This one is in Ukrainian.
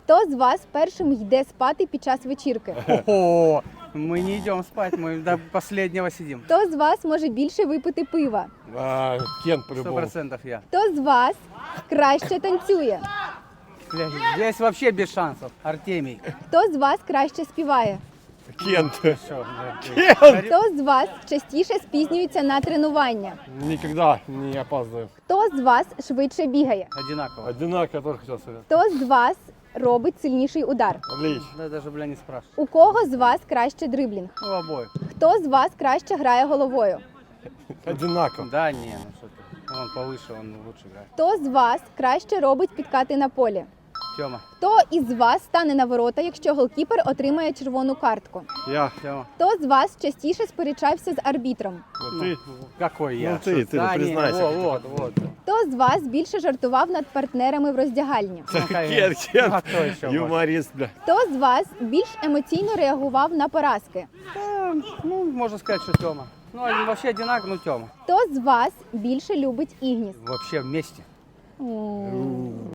Хто з вас першим йде спати під час вечірки? О, мы не идем спать, мы до последнего сидим. Хто з вас може більше випити пива? Кен 100% я. Хто з вас краще танцює? Бля, здесь вообще без шансов. Артемий. Хто з вас краще співає? Кент. Всё, бля. Хто з вас частіше спізнюється на тренування? Никогда не опаздываю. Хто з вас швидше бігає? Одинаково. Одинаково тоже хотел сказать. Хто з вас робить сильніший удар? Отлично. Да даже, бля, не спрашивай. У кого з вас краще дриблінг? У обоих. Хто з вас краще грає головою? Одинаково. Да не, ну что ты. Он повыше, он лучше играет. Хто з вас краще робить підкати на полі? Тёма. Хто із вас стане на ворота, якщо голкіпер отримає червону картку? Я. Тёма. Хто з вас частіше сперечався з арбітром? Вот ты. Какой я? Ну, ты, Что- ты, Да, не, признайся. вот. Хто з вас більше жартував над партнерами в роздягальні? Ну, конечно. Кен, А кто еще? может? Юморист, бля. Хто з вас більш емоційно реагував на поразки? Да, ну, можно сказать, что Тёма. Ну, они вообще одинаково, ну, Тёма. Хто з вас більше любить ігніс? Вообще вместе.